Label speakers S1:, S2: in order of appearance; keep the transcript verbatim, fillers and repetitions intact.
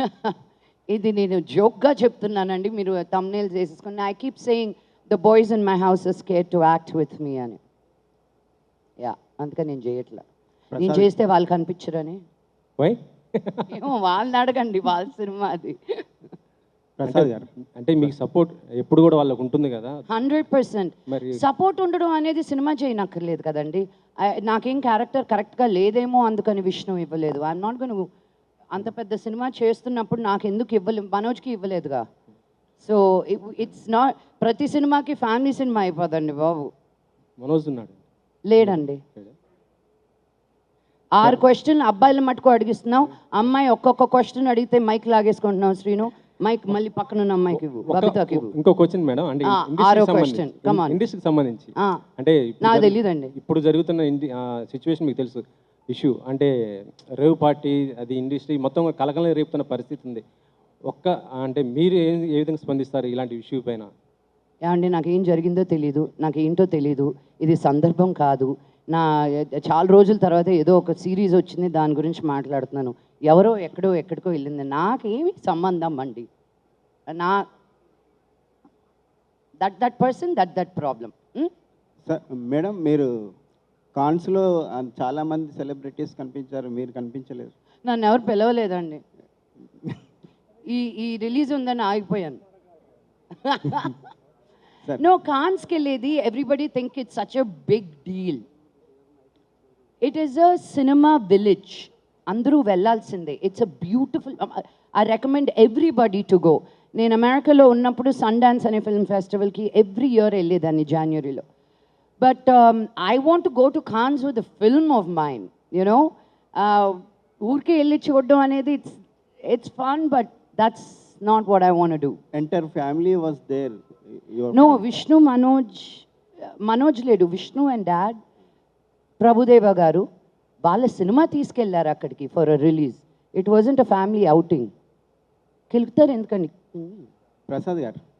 S1: ఇది నేను జోక్గా చెప్తున్నానండి, మీరు థంబ్నెయిల్స్ వేసేసుకుని. I keep saying the boys in my house are scared to act with me అని. యా, అందుకని నేను చేయట్లా. నేను చేస్తే వాళ్ళు కనిపించరని. ఏమో వాళ్ళని అడగండి, వాళ్ళ సినిమా అది.
S2: ప్రసాద్ గారు అంటే మీకు సపోర్ట్ ఎప్పుడు కూడా వాళ్ళకు ఉంటుంది కదా?
S1: హండ్రెడ్ పర్సెంట్ సపోర్ట్ ఉండడం అనేది సినిమా చేయనక్కర్లేదు కదండి. నాకేం క్యారెక్టర్ కరెక్ట్గా లేదేమో అందుకని విష్ణు ఇవ్వలేదు. I'm not gone. అంత పెద్ద సినిమా చేస్తున్నప్పుడు నాకు ఎందుకు ఇవ్వలేదు? మనోజ్కి ఇవ్వలేదుగా. సో ఇట్స్ నాట్ ప్రతి సినిమాకి ఫ్యామిలీ సినిమా అయిపోదండి బాబు.
S2: మనోజ్ ఉన్నాడు
S1: లేడండి. ఆరు క్వశ్చన్లు అబ్బాయిల మటుకు అడిగిస్తున్నావు, అమ్మాయి ఒక్కొక్క క్వశ్చన్ అడిగితే మైక్ లాగేసుకుంటున్నావు. శ్రీను మైక్ మళ్ళీ పక్కన ఉన్న అమ్మాయికి బబితాకి.
S2: ఇంకో క్వశ్చన్ మేడం, అంటే
S1: ఆరో క్వశ్చన్
S2: ఇండస్ట్రీకి సంబంధించి అంటే
S1: నాకు తెలియదండి.
S2: ఇప్పుడు జరుగుతున్న సిచ్యువేషన్ మీకు తెలుసు, ఇష్యూ అంటే రేవ్ పార్టీ, అది ఇండస్ట్రీ మొత్తం కలకలం రేపుతున్న పరిస్థితి ఉంది. ఒక్క అంటే మీరు ఏ ఏ విధంగా స్పందిస్తారు ఇలాంటి ఇష్యూ పైన?
S1: ఏమండి, నాకేం జరిగిందో తెలీదు, నాకేంటో తెలీదు. ఇది సందర్భం కాదు. నా చాలా రోజుల తర్వాత ఏదో ఒక సిరీస్ వచ్చింది, దాని గురించి మాట్లాడుతున్నాను. ఎవరో ఎక్కడో ఎక్కడికో వెళ్ళింది, నాకేమి సంబంధం అండి. నా that that person that that problem.
S3: Madam, మీరు కాన్స్లో చాలామంది సెలబ్రిటీస్ కనిపించారు, మీరు కనిపించలేదు.
S1: నన్ను ఎవరు పిలవలేదండి. ఈ ఈ రిలీజ్ ఉందని ఆగిపోయాను. నో, కాన్స్కి వెళ్ళేది everybody think it's such a big deal. It is a cinema village, అందరూ వెళ్ళాల్సిందే. It's a beautiful. I recommend everybody to go. నేను అమెరికాలో ఉన్నప్పుడు సన్ డాన్స్ అనే ఫిల్మ్ ఫెస్టివల్కి ఎవ్రీ ఇయర్ వెళ్ళేదాన్ని జనవరిలో. But I want to go to Cannes with the film of mind, you know. ఊరికే వెళ్ళి చూడడం అనేది it's it's fun, but that's not what I want do.
S3: Entire family was there.
S1: No, Vishnu, Manoj Manoj లేడు, Vishnu and dad, Prabhudeva గారు వాళ్ళ cinema తీసుకెళ్లారు అక్కడికి for a release. It wasn't a family outing. కెలుగుతారు ఎందుకండి?
S3: ప్రసాద్ గారు